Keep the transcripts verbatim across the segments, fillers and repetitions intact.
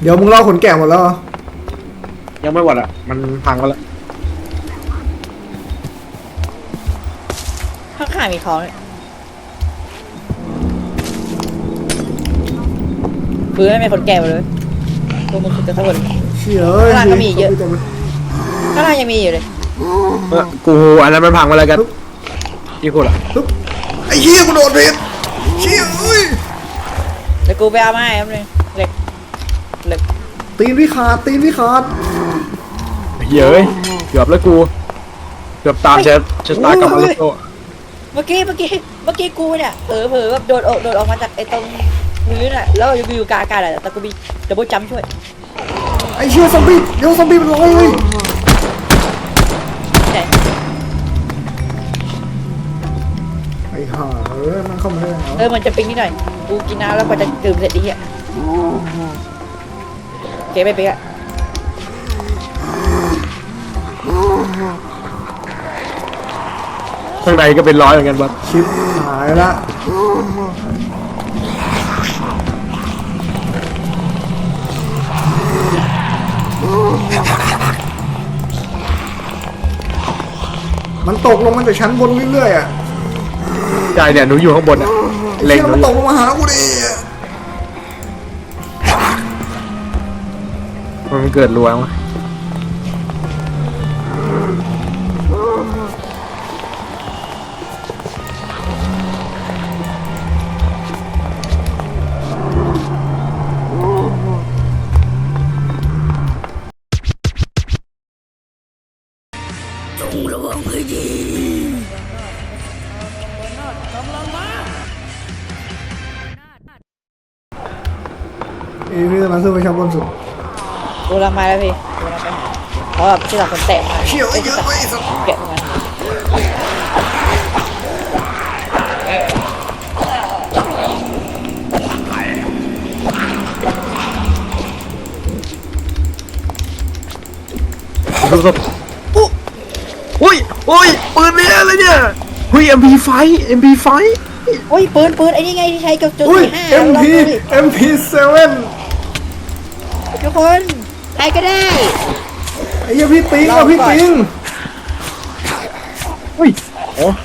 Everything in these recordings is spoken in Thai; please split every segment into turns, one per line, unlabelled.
เดี๋ยวมึงเล่าขนแกะหมดแล้ว
ยังไม่หมดอ่ะมันพังไปแล้ว
ข้างข้างมีท้องคือไม่มีคนแก่เลยตัวมึงคือจะทั้งหมด
เชี่ยเอ้ย
ข้างล่างก็มีเยอะข้างล่างยังมีอยู่เลย
กูอันนั้นมันพังไปแล้วกันที่กูล่ะ
ไอ้เหี้ยกูโดดผิดเชี่ยเอ้ย
เดี๋ยวกูไปเอามาให้ครับเลยเหล็กเหล็ก
ตีนพี่ขาดตีนพี่ขาด
เฮ้ยเกือบแล้วกูเกือบตามเชฟเชฟตายกับมาริโต
เมื่อกี้เมื่อกี้เมื่อกี้กูเนี่ยเผลอเผลอแบบโดดออกโดดออกมาจากไอ้ตรงพื้นอ่ะแล้วอยู่อยู่กลางอากาศอ่ะแต่กูมีดับเบิลจัมป์ช่วย
ไอ้เชี่ยซอมบี้เดี๋ยวซอมบี้มันลอยเลยไอ้ห่าเออมันเข้ามาได้เ
ออมันจะปิ๊งนิดหน่อยกูกินน้ำแล้วพอจะดื่มเสร็จดีอ่ะเก๋ไปปิ๊งอ่ะ
ข้างในก็เป็นร้อยเหมือนกันบัด
ชิปหายละมันตกลงมาจากชั้นบนเรื่อยๆอ่ะ
ใช่เนี่ยหนูอยู่ข้างบนอ่ะ
เล็งมันตกลงมาหากูดิ
มันเกิดรัวมั้ย
ระวังให้ดีเอ้ยพี่กำลังขึ้นไปชั้นบนสุด
กูรังมาแล้วพี่กูรังไปเพราะแบบที่หลังคนแตะมา
เชี่ยวเยอะไปสัก
แกะมา
ดูสิโอ้ยโอ้ยปืนเนี่ยอะไรเนี่ยเฮ้ย เอ็ม พี ไฟว์ เอ็ม พี ไฟว์
โอ้ยปืนปืนไอ้นี่ไงที่ใช้กับจุดสี่ห้า
เอ็ม พี เอ็ม พี เซเว่น
ทุกคนใครก็ได้
ไอ้เหี้ยพี่ปิงอ่ะพี่ปิง
เฮ้ยโอ้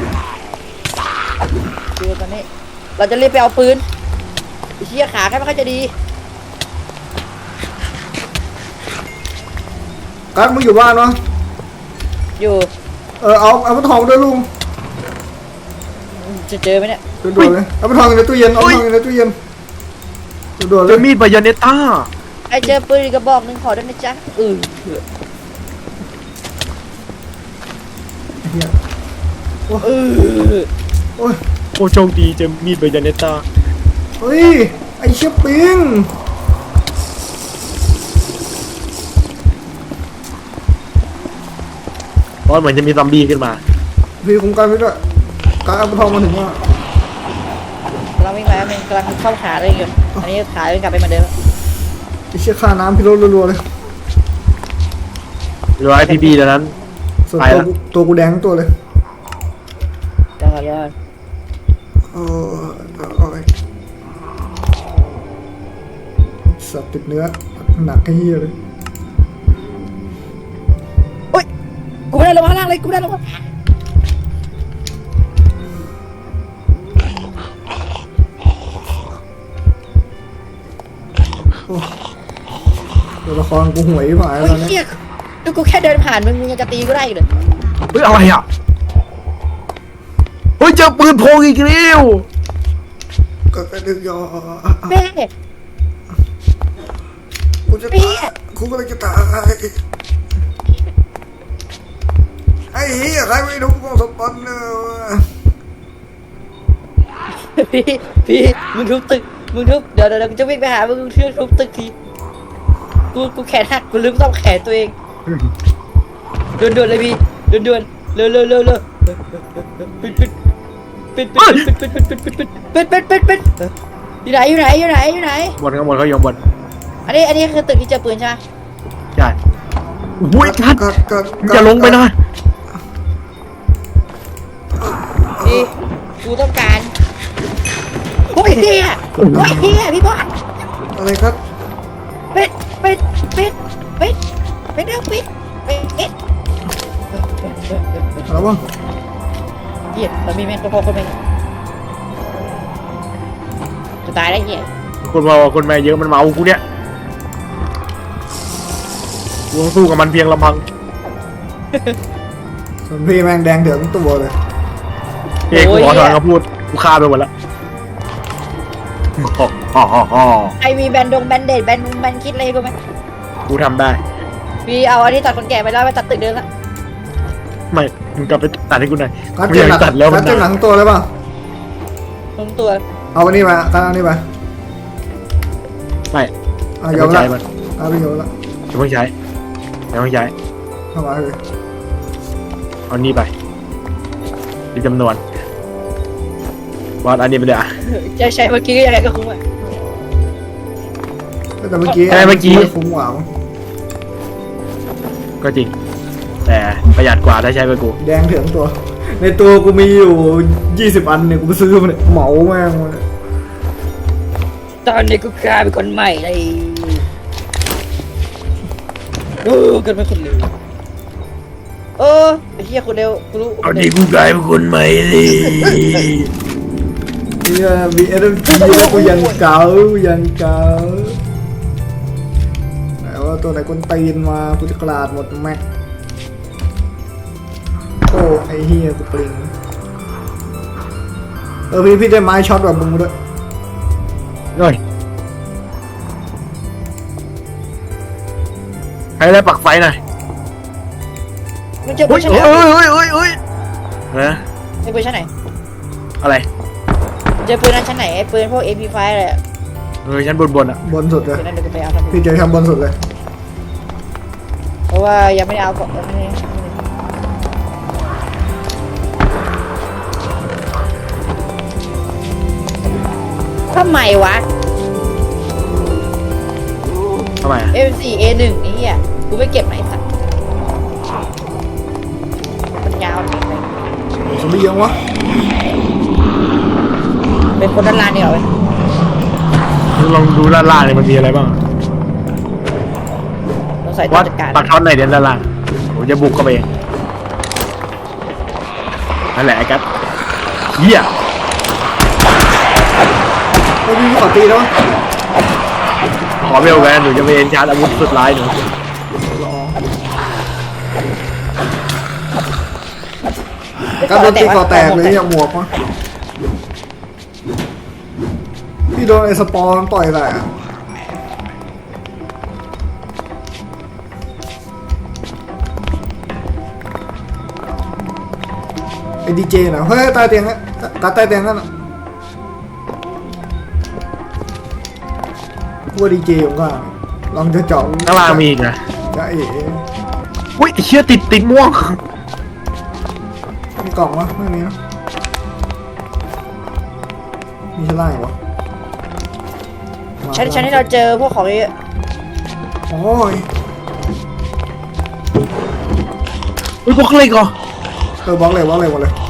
ดูตอนนี้เราจะรีบไปเอาปืนไอ้เชี่ยขาแค่ไม่ค่อยจะดี
กั๊กมึงอยู่บ้านวะ
อยู่
เออเอาเอามาทองด้วยลุง
จะเจอไหมเนี่ย
ด่วนเลยเอามาทองในตู้เย็นเอาทองในตู้เย็นด่วนเลย
เจอมีดบายาเนต้า
ไอเจอปืนกระบอกหนึ่งขอได้ไหมจ๊ะเออ
เออโอ้ย
โอ้โชคดีเจอมีดบายาเนต้า
เฮ้ยไอเชี่ยปิง
เพราะเหมือนจะมีซอมบี้ขึ้นมา
พี่คุ้มกันไว้ด้วยการเอาทองมาถึงว่า
เราไม่มาเป็นกำลังเข้าขาเลยอยู่อันนี้ขาเป็นกลับไปเหมือนเดิม
ไอเชี่ยค่าน้ำพี่ลดรัวๆเลย
รอไอพีบีตอนนั้น
ส่วนตัวตัวกูแดงตัวเลย
ยอดยอด
เอออะไรสัตว์ติดเนื้อหนักให้เหี้ยเลย
โอ๊ยกูไม่ได้ลงมาล่างเลยกูไม่ได้ลงมา
ตัวละครกูหวยผ่านแล้ว
เนี่ยดูกูแค่เดินผ่านมึงมึงยังจะตีกูได้เลย
เฮ้ยอะไรอ่ะเฮ้ยเจอปืนโพกอีกแล้ว
ก็ไปดึงยอ
แม่
กูจะตายกูก็เลยจะตายไอ้เหี้ยใครไม่รู้กูสปอนเนอร์
พี่พี่มึงทุบตึกมึงทุบเดี๋ยวเดี๋ยวกูจะวิ่งไปหามึงเชื่อทุบตึกทีกูกูแขนหักกูลืมต้องแขนตัวเองด่วนด่วนเลยพี่ด่วนด่วนเร็วเร็วเร็วเร็วปิดปิดปิดปิดปิดปิดปิดปิดปิดปิดปิดปิดปิดอยู่ไหนอยู่ไหนอยู่ไหนอยู่ไหน
บนข้างบนเขายองบน
อันนี้อันนี้คือตึกที่เจอปืนใช่ไหม
ใช่โอ้ยกัดจะลงไปนะ
พี่กูต้องการโอ้ยเฮียโอ้ยเฮียพี่บอส
อะไรครับ
ไม่ไม่ได้ปิดปิดปิด
แล้วบ้าง
เหี้ยเรามีแม่งก็พอคนแม่งจะตายได้เหี้ย
คนมาคนมาเยอะมันเมากูเนี่ยกูต้องสู้กับมันเพียงลำพัง
ส่วนพี่แม่งแดงเถืองตัวเลย
เอกกูขอถอนคำพูดกูฆ่าไปหมดแล้วฮ่าฮ่าฮ่า
ไอมีแบนดงแบนเดดแบนแบนคิดอะไรกูไหม
กูทำได้
พี่เอาอันนี้ตัดคนแก่ไปแล้วไปตัดตึกเดิมละ
ไม่มึงกลับไปตัดให้กูหน่อย
การ
กู
เจ็
อบ
ห
ยา
นั
ก
ง
ตัดแล้วมั
กาน รเจ็บหนั
นาง
ตัวเลยป่ะ
ทั้งตัว
เอาอันนี้มาการเอาอันนี้มา
ไม่
เอา
ไม่
โย
ต้อน ง
ละ
ใช้มัน
เอาไปโยนละ
ไม่ต้องใช้ไม่ต้องใช้
เข้ามาเลย
เอานี่ไปดีจำนวนวาดอันนี้ไปเลยอ่ะ
จะใช้เมื่อกี้ก็ยังไงก็คุ้มอ่ะ
แต่เมื่อกี้
ใช่เมื่อกี้
คุ้มกว่ามั้ง
ก็จริง แต่ประหยัดกว่าถ้าใช้ไปกู
แดงเถืองตัว ในตัวกูมีอยู่ยี่สิบอันเนี่ยกูไปซื้อมาเนี่ยเหมาแม่งมาเนี่ย
ตอนนี้กูกลายเป็นคนใหม่เลยเออเกิดเป็นคนเร็วเออไอ้เหี้ยคนเร็วกูรู้
เอาดีกูกลายเป็นคนใหม่เลย
เนี่ยมีเอ็มจีกูยังเก่ายังเก่าไหนว่าตัวไหนคนตีนมากูจะกราดหมดแม็กโอ้ไอ้เฮียกูปลิงเออพี่พี่ได้ไม้ช็อตแบบมึงมาด้วย
เฮ้ยให้ได้ปักไฟหน่อย
มันเจอปื
เฮ้
น
ย
ชั้นไหน
เฮ้ยเฮ้ยเฮ้ยเฮ้ยเฮ้ย
ไอ้ปืนชั้นไหน
อะไร
เจอปืนนั้นชั้นไหนไอ้ปืนพวก เอ็ม พี ไฟว์ อะไรอะ
เออชั้นบนบนอ่ะ
บนสุดเลย
ปืนนั้นเดี๋ยวกูไปเอาครับ
พี่เจอทำบนสุดเลย
เพราะว่ายังไม่ได้เอาของยังไม่ได้ทำไมวะ
ทำไมอ่ะ
เอ็ม โฟร์ เอ วัน ไอ้เหี้ยกูไม่เก็บไหนสัตว์มันยาวจริงเลย
สมบียังวะ
เป็นคนด้านล่างนี่เหรอเว้ย
ลองดูด้านล่างเนี่ยมันมีอะไรบ้าง
ต้องใส่ตัว
วัด
จัดการ
ปักท่อนไหนเด่นด้านล่างผมจะบุกเข้าไปเองนั่นแหละไอ้กัสเหี้ย
ไอ้พี่ขอตีแล้ว
ขอเบลแวนหนูจะไปเอ็นชาร์จอาวุธสุดร้ายหนู
รอการโดนตีก่อแตกเลยเนี่ยหมวกวะพี่โดนไอ้สปอร์ต่อยแหละไอ้ดีเจนะเฮ้ยตายเตียงอะตายตายเตียงนั่นอะพวกดีเจของก็ลองจะเจาะ
ข้างล่างมีอีกนะ
จะเอ๋
อุ้ยไอ้เชี่ยติดติดม่วง
มีกล่องวะไม่มีนะมีชั้นล่างอีกวะมา
ชั้นชั้นที่เราเจอพวกของเยอะ
โอ้ย
อุ้ยพวกเล็กเหรอ
เออบล็อกเลยบล็อกเลยหมดเลย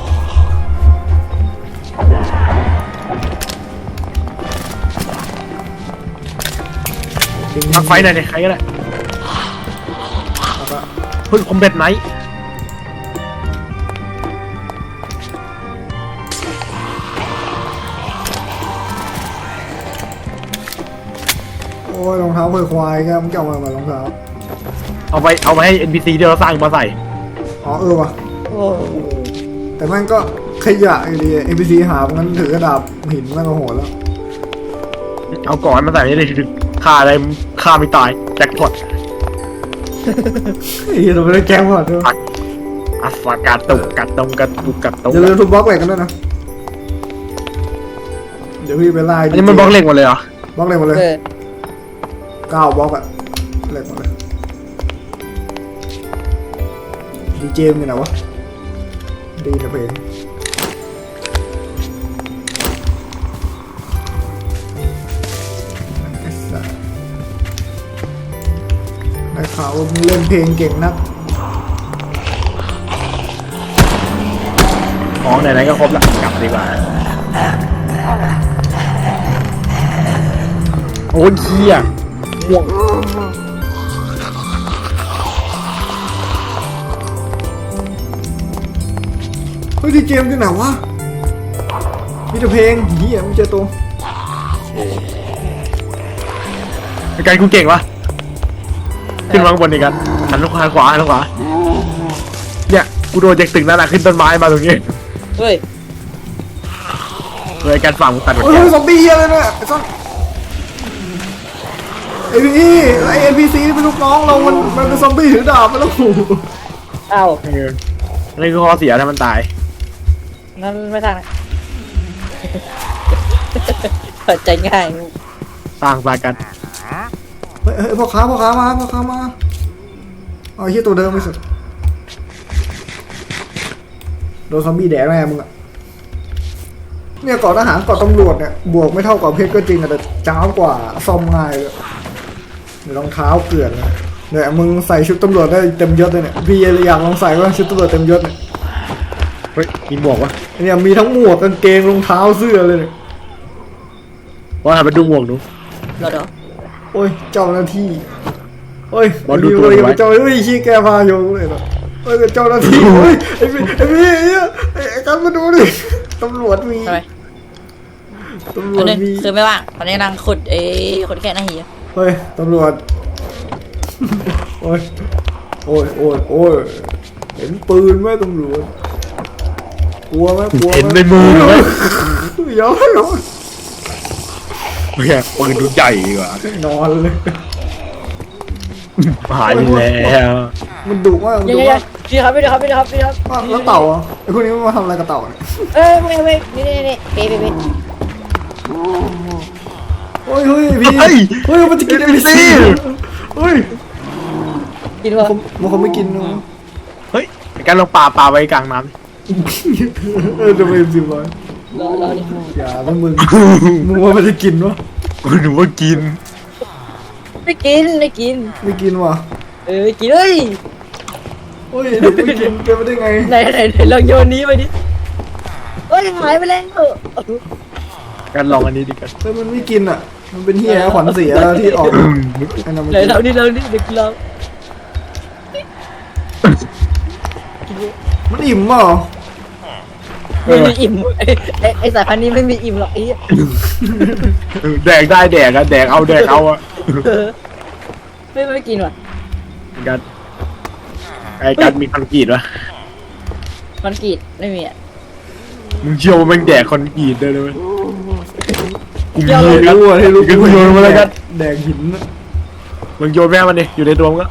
จริง
ปักไฟหน่อยดิใครก็ได้
แล้วก็
เฮ้ยคอมแบทไนท์
โอ้ยรองเท้าเพื่อควายครับมึงจะเอามาเหมือนรองเท้า
เอาไปเอาไปให้ เอ็น พี ซี ที่เราสร้างมาใส่
อ๋อเออว่ะ
โอ้
แต่แม่งก็ขยะอยู่ดี เอ็น พี ซี หางั้นถือกระดาบหินแม่งก็โหดแล้ว
เอาก่อนมาใส่ไม่ได้ถึงฆ่าอะไรฆ่าไม่ตายแจ็คพอต
ไอ้เหี้ยเราไม่ได้แกล้งหมดด้วย
อัสฟากาตุกกัดตรงกัดตุกกัดตรง
อย่าลืมทุบบล็อกเหล็กกันด้วยนะเดี๋ยวพี่ไปไล่
อันนี้มันบล็อกเหล็กหมดเลยเหรอบ
ล็อกเหล็กหมดเลย
เออ
เก้าบล็อกอะเหล็กหมดเลยดีเจมอยู่ไหนวะดีนะเพลงไอ้สัสได้ข่าวว่ามึงเล่นเพลงเก่งนัก
ของไหนๆก็ครบละกลับดีกว่าโอ้ยเหี้ยม่วง
เฮ้ยที่เกมที่ไหนวะมีแต่เพลงเฮียไม่เจอตัว
กันกูเก่งวะขึ้นมาข้างบนอีกกันหันลงขวาขวาหันลงขวาเนี่ยกูโดนจากตึกนั่นแหละขึ้นต้นไม้มาตรงนี้
เฮ้ย
เลยการฝั่งมึงตัดหมด
เฮ้
แก้
ยว ซอมบี้เฮียเลยเนี่ยไอ้ซอนไอพี่ไอเอ็นพีซีเป็นลูกน้องเรา มันมันเป็นซอมบี้ถือดาบไปแล้ว
เอ้า
เออนี่คือข้อเสียถ้ามันตาย
งั้นไม่ทางนะเปิดใจง่าย
สร้างสายกัน
เฮ้ยเฮ้ยพ่อค้าพ่อค้ามาพ่อค้ามาเอาไอ้เฮียตัวเดิมไปสุดโดนซอมบี้แดกแน่มึงอะเนี่ยเกาะทหารเกาะตำรวจเนี่ยบวกไม่เท่ากับเพชรก็จริงอะแต่จ้าวกว่าซ่อมง่ายเลยเดี๋ยวรองเท้าเกลื่อนเลยเนี่ยมึงใส่ชุดตำรวจได้เต็มยศเลยเนี่ยพี่อยากลองใส่ว่าชุดตำรวจเต็มยศเนี่ย
เฮ้ยมีหมวกวะ
เนี่ยมีทั้งหมวกกางเกงรองเท้าเสื้อเลยเนี่ย
ว่าหันไปดูหมวกดู
รอเดี๋ยว
โอ้ยเจ้าหน้าที่โอ้ย
บอลดูตัว
ไอ้
ไว้
เจ้าเฮ้ยชี้แกพาโยงเลยเหรอเฮ้ยเจ้าหน้าที่เฮ้ยไอ้พี่ไอ้พี่ไอ้เหี้ยไอ้กันมาดูดิตำรวจมี
ทำไม
ตำร
ต
ว
อน
จ
นี้
มี
คือไม่ว่างตอนนี้กำลังขุดไอ้คนแค่หน้าหี
เฮ้ยตำรวจโอ้ยโอ้ยโอ้ยโอ้ยเห็นปืนไหมตำรวจกลัวไหมกลัวไหม
เห็นในมือไหม
ย้อนย้อน
เฮ้ยปืนดูใหญ่กว่าน
อนเลย
หายไปแล้ว
มันดุมากมัน
เดี๋ยว
ดุ
เดี๋ยว
มาก
พี่ครับพี่ครับพี่ครับพี่ครับ
อ้าวแล้วเต่าอ่ะไอ้พวกนี้มันมาทำอะไรกับเต่าเนี่ย
เอ้ยไม่ไม่นี่นี่นี่เป๊ะเป๊ะเป๊ะ
เฮ้ยเฮ้ยพี่
เฮ้ย
เฮ้ยมันจะกิน
เอ็
เอ็
ม
ม
ซี
ซีเฮ้ย
กินวะ
ผมมันคงไม่กินนะ
เฮ้ยการลงป่าป่าไว้กลางน้
เออจะไปเอ็มซีร้อย
รอรอดิ
อย่าแล้วมึงมึงว่ามันจะกินวะ
ำกูหนูว่ากิน
ไม่กินไม่กิน
ไม่กินวะ
เออกินเฮ้ย
เฮ้ยเด็กไม่กินเป็นไปได้ไง
ไหนไหนไหนลองโยนนี้ไปดิเฮ้ยหายไปแล้ว
การลองอันนี้ดีกัน
เฮ้ยมันไม่กินอ่ะ มันเป็นเฮียขวัญเสียที่ออกไอ้นั่นมัน
ไหนเรานี่เรานี่เด็กเรา
มันอิ่มเปล่า
ไม่มีอิ่มไอ้ไอ้ไอ้สายพันธุ์นี้ไม่มีอิ่มหรอกไอ้
แดกได้แดกอะแดกเอาแดกเอาอะ
ไม่ไม่กินว่ะ
กันไอ้กันมีคอนกรีตวะ
มันกรีดไม่มีอ่ะ
มึงเชื่อว่าแม่งแดกคอนกรีตได้เลยไหมกูมี
ให้
กัน
รู้อ่ะให้รู้
กันกูโยนมาแล้วกัน
แดงหินนะ
มึงโยนแม่มันดิอยู่ในตัวมึงก็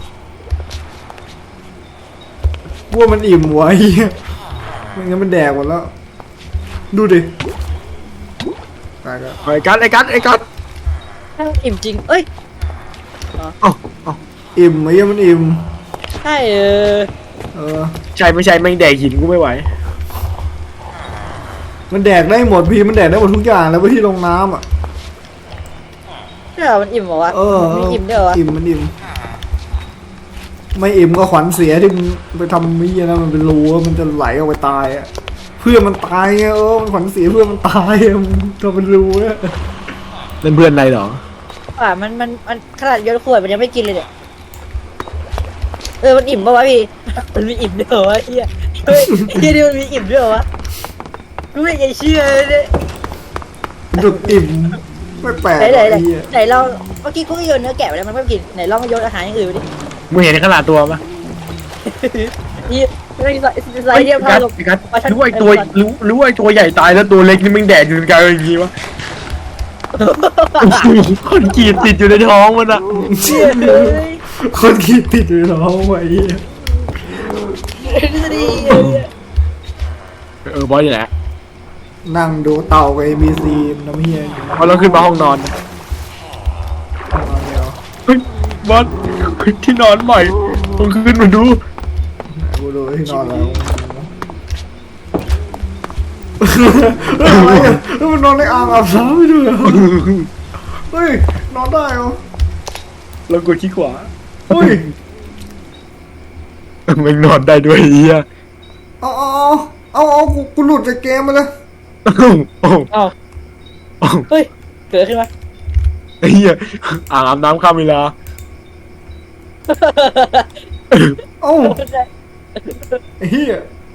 กลัวมันอิ่มวะเฮียไม่งั้นมันแดกหมดแล้ว ดูดิตายแล้ว
ไอ้กันไอ้กันไอ้กัน
ถ้าอิ่มจริงเอ้ย
เอ้าเอ้า
อิ่มไอ้เหี้ยมันอิ่ม
ใช่เออ
เออ
ใช่ไม่ใช่แม่งแดกหินกูไม่ไหว
มันแดกได้หมดพี่มันแดกได้หมดทุกอย่างแล้วไปที่ลงน้ำอ่ะ
ใช่เหรอมันอิ่มเหรอวะ
เออ
มีอิ่มด้วยเหรอวะ
อิ่มมันอิ่มไม่อิ่มก็ขวัญเสียที่มึงไปทำมีนะมันเป็นรูอะมันจะไหลออกไปตายอ่ะเพื่อนมันตายไงเออมันขวัญเสียเพื่อนมันตายอะมันทำเป็นรูอะ
นั่นเพื่อนอะไรเหรอ
อ่ะมันมันมันขนาดโยนขวดมันยังไม่กินเลยเนี่ยเออมันอิ่มปะวะพี่มันมีอิ่มด้วยเหรอวะเฮียเฮ้ยเฮียนี่มันมีอิ่มด้วยเหรอวะกูไม่อยากจะเชื่อเลยเนี่ย
มันจะอิ่มไม่แปลก
ไหนไหน
หรอก
ไหน
ไอ้เหี้ย
ไหนเราเมื่อกี้กูก็โยนเนื้อแกะไปแล้วมันไม่กินไหนลองโยนอาหารอย่างอื่นไปดิ
มึงเห็นขนาดตัวปะ
นี่ไม่ใส่ใส่
ไอ้
เรียบร้อ
กั
ย
ด
ลง
ไอ้กัดรู้ว่าไอ้ตัวรู้รู้ว่าไอ้ตัวใหญ่ตายแล้วตัวเล็กนี่แม่งแดกอยู่ในกลางอย่างงี้วะคนกรีดติดอยู่ในท้องมันอะ
เชี่ยเลย
คนคิดติดอยู่ท้องไว้ไอ้เหี้ย
ดี
เออบอสอยู่ไหน
นั่งดูเต่ากับเอบีซีน้ำเฮียอยู่
พอเราขึ้นมาห้องนอน
นอนเดียว
เฮ้ยบอสที่นอนใหม่ต้องขึ้นมาดู
กูดูที่นอนแล้วเฮ้ยอะไรอ่ะเฮ้ยมันนอนในอ่างอาบน้ำไม่ด้วยเหรอเฮ้ยนอนได้เหรอ
แล้วกดขี้ขวา
เฮ้ย
มันนอนได้ด้วยไอ้เฮีย
เอาเอาเอาเอากูกูหลุดจากเกมมาเลย
โอ้โห
ๆอ้าว
โอ้โห
เฮ้ยเกิดขึ้นมา
ไอ้เฮียอ่างอาบน้ำข้ามเวลา
เอ้าไอ้เฮีย